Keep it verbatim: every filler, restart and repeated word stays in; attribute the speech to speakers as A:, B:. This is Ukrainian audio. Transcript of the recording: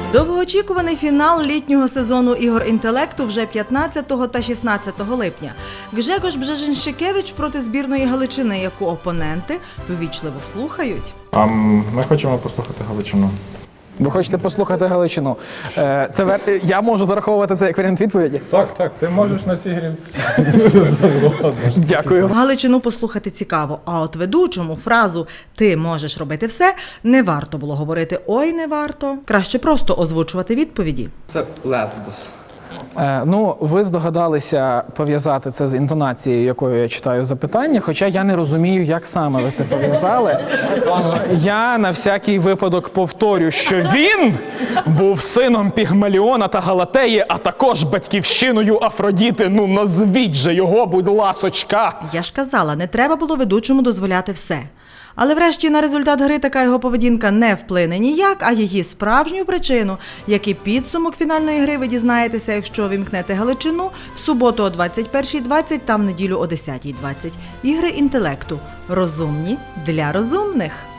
A: Довгоочікуваний фінал літнього сезону ігор інтелекту вже п'ятнадцятого та шістнадцятого липня. Гжегош Бжежинщикевич проти збірної Галичини, яку опоненти ввічливо слухають.
B: А ми хочемо послухати Галичину.
C: Ви хочете послухати Галичину? Е, Це вер... Я можу зараховувати це як варіант відповіді?
B: Так, так, ти можеш на цій грі все завгодно.
C: Дякую.
A: Галичину послухати цікаво, а от ведучому фразу «ти можеш робити все» не варто було говорити «ой, не варто». Краще просто озвучувати відповіді.
D: Це Лесбос.
C: Е, ну, ви здогадалися пов'язати це з інтонацією, якою я читаю запитання, хоча я не розумію, як саме ви це пов'язали. Я на всякий випадок повторю, що він був сином Пігмаліона та Галатеї, а також батьківщиною Афродіти. Ну, назвіть же його, будь ласочка!
A: Я ж казала, не треба було ведучому дозволяти все. Але врешті на результат гри така його поведінка не вплине ніяк, а її справжню причину, як і підсумок фінальної гри, ви дізнаєтеся, якщо вімкнете Галичину в суботу о двадцять першій двадцять та в неділю о десятій двадцять. Ігри інтелекту. Розумні для розумних.